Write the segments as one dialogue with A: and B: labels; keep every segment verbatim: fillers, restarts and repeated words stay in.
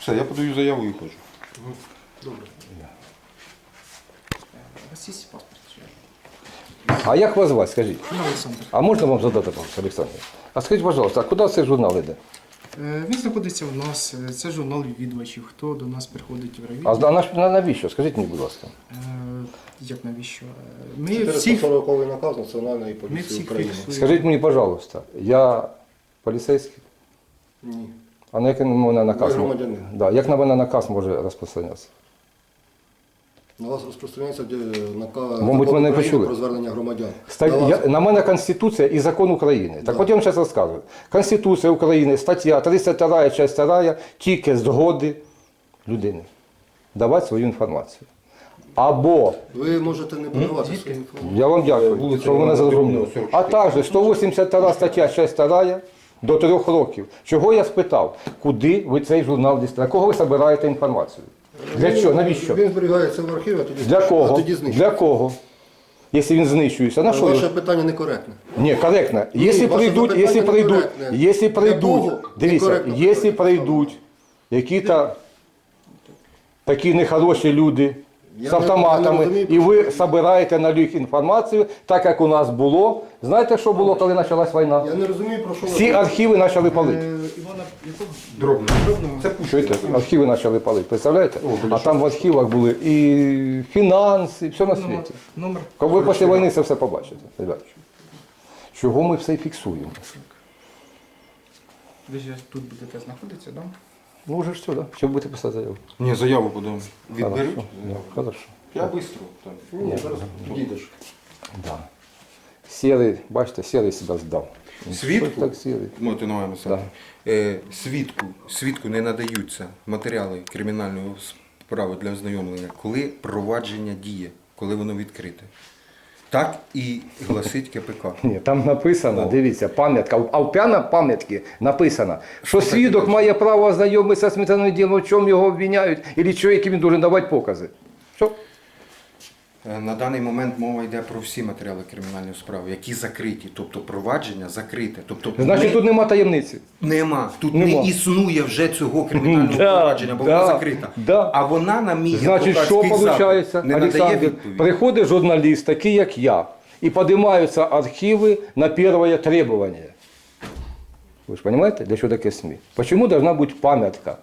A: Все, я подаю заяву і ходжу.
B: Добре.
C: У вас є паспорт?
D: А як вас звати, скажіть?
C: Ну, Олександр.
D: А можна вам задати, Олександр? А скажіть, будь ласка, а куди цей журнал йде?
C: Е, Він знаходиться у нас, е, це журнал відвідувачів, хто до нас приходить в
D: А
C: райвідділ.
D: на- на- навіщо? Скажіть мені, будь ласка.
C: Е, Як навіщо? Е, Ми всіх,
B: чотириста сороковий наказ Національної
C: ми
B: поліції
C: всіх
B: України.
C: фіксуємо.
D: Скажіть мені, пожалуйста, я поліцейський?
B: Ні.
D: А на який на мене наказ?
B: Ви громадянин.
D: Да, як на мене наказ може розпространятися?
B: На вас розпространяється де наказ
D: Мабуть, мене почули.
B: про звернення громадян.
D: Ста-
B: На вас-
D: я, на мене Конституція і закон України. Так
B: Да.
D: от я вам зараз розказую. Конституція України, стаття тридцять вторая, часть вторая, тільки згоди людини. Давати свою інформацію. Або,
B: Ви можете не подавати свою інформацію.
D: я вам дякую,
A: Вулиця
D: що ви мене
A: Івана
D: зрозуміли.
A: Петрівна,
D: А також сто вісімдесят вторая стаття, часть вторая, до трьох років. Чого я спитав? Куди ви цей журнал дістаєте? Для кого ви збираєте інформацію? Для чого? Навіщо?
B: Він зберігається в архіві, а тоді,
D: Для
B: а
D: кого?
B: тоді знищується.
D: Для кого? Якщо він знищується, на що?
B: Ваше
D: його?
B: питання некоректне.
D: Ні, коректно.
B: Ні,
D: Якщо
B: ваше
D: прийдуть,
B: запитання
D: якщо прийдуть,
B: некоректне.
D: якщо
B: Для
D: прийдуть,
B: кого
D: дивіться,
B: некоректно
D: якщо
B: питання?
D: прийдуть які-то такі нехороші люди
B: Я
D: з
B: не-
D: автоматами,
B: я не розумію,
D: і ви
B: про що-
D: збираєте на них інформацію, так як у нас було. Знаєте, що було, коли почалась війна?
B: Я не розумію, про що ви
D: Всі
B: говорите.
D: архіви почали палити.
C: Е, Івана, якого?
A: Дробно.
C: Дробного?
A: Це пущено.
D: Чуєте? Архіви почали палити, представляєте?
A: О,
D: А там в архівах були і фінанси, і все на
C: Номер.
D: світі.
C: Номер.
D: Коли ви після війни це все побачите, ребята. Чого ми все фіксуємо?
C: Ви ж тут будете знаходитися, так?
D: Ну вже ж все, да? Що будете писати заяву?
A: Ні, заяву подаємо. Відберуть?
D: Хорошо. Да, хорошо.
A: Я швидко. так.
B: Ні, зараз підійдеш.
D: Да. Сірий, бачите, сірий себе здав.
A: Свідку?
D: Що ж так сірий?
A: Можете на мене писати. Е, свідку, свідку не надаються матеріали кримінальної справи для ознайомлення, коли провадження діє, коли воно відкрите. Так і гласить КПК.
D: Ні, там написано,
A: О.
D: дивіться, пам'ятка, а в п'яна пам'ятки написано, що свідок має право ознайомитися з матеріальним ділом, в чому його обвиняють, і що, які він повинен давати покази. Що?
A: Е, На даний момент мова йде про всі матеріали кримінальної справи, які закриті, тобто провадження закрите. Тобто
D: Значить,
A: ми-
D: тут нема таємниці.
A: Нема. Тут
D: Нема.
A: не існує вже цього кримінального
D: Да,
A: провадження, бо
D: да,
A: воно закрита.
D: да.
A: А вона на мій
D: Значить, що
A: адвокатський
D: виходить,
A: запит не надає
D: Олександр,
A: відповіді.
D: приходить журналіст, такий як я, і піднімаються архіви на перше требування. Ви ж розумієте, для чого таке СМІ? Чому должна бути пам'ятка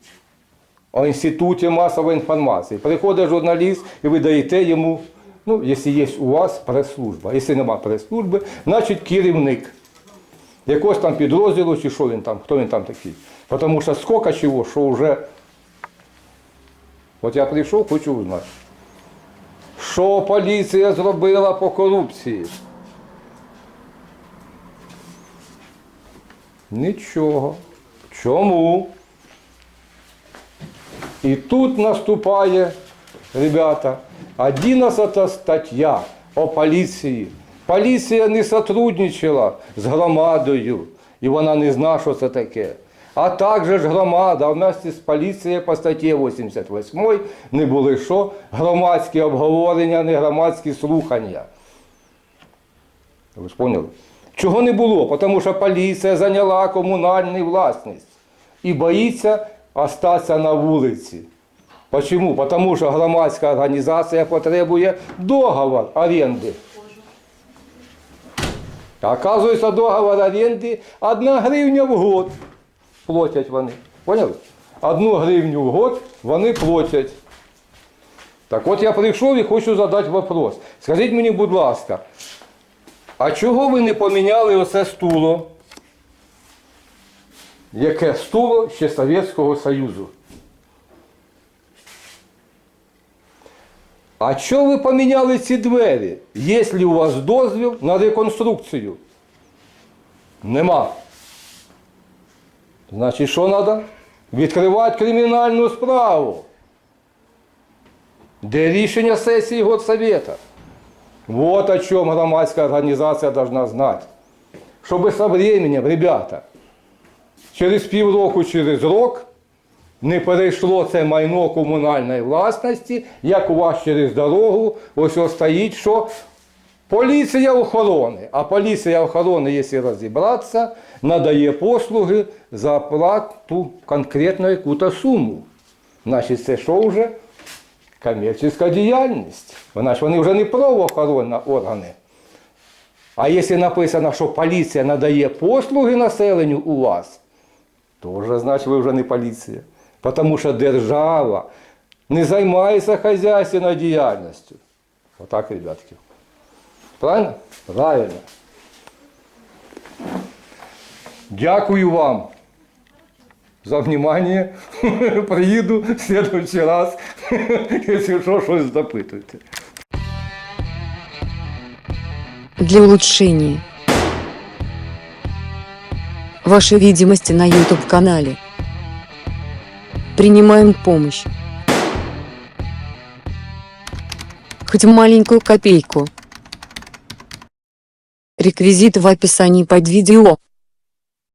D: о Інституті масової інформації? Приходить журналіст і ви даєте йому, ну, якщо є у вас прес-служба. Якщо немає прес-служби, значить керівник якогось там підрозділу, чи що він там, хто він там такий. Тому що скільки чого, що вже... От я прийшов, хочу узнати. Що поліція зробила по корупції? Нічого. Чому? І тут наступає, ребята, одинадцята стаття о поліції. Поліція не сотрудничала з громадою, і вона не знає, що це таке. А також ж громада вместе з поліцією по статті вісімдесят восьмій не були що? Громадські обговорення, не громадські слухання. Ви ж поняли? Чого не було? Тому що поліція зайняла комунальну власність і боїться остатися на вулиці. Чому? Тому що громадська організація потребує договор оренди. Оказується, договор оренди одна гривня в год платять вони. Поняли? Одну гривню в год вони платять. Так от я прийшов і хочу задати вопрос. Скажіть мені, будь ласка, а чого ви не поміняли оце стуло? Яке стуло ще Совєтського Союзу? А чого ви поміняли ці двері, якщо у вас дозвіл на реконструкцію? Нема. Значить, що треба? Відкривати кримінальну справу. Де рішення сесії Горсовета? Вот о чем громадська організація должна знати. Щоб со временем, ребята, через півроку, через рок не перейшло це майно комунальної власності, як у вас через дорогу, ось ось стоїть, що поліція охорони. А поліція охорони, якщо розібратися, надає послуги за оплату конкретно яку-то суму. Значить, це що вже? Комерційна діяльність. Вона ж вони вже не правоохоронні органи. А якщо написано, що поліція надає послуги населенню у вас, то вже, значить, ви вже не поліція. Тому що держава не займається хазяйственною діяльністю. Отак, ребятки. Правильно? Правильно. Дякую вам за внимание. Приїду в следующий раз, якщо що, щось запитуєте.
E: Для улучшения вашей видимости на YouTube-канале принимаем помощь. Хоть маленькую копейку. Реквизиты в описании под видео.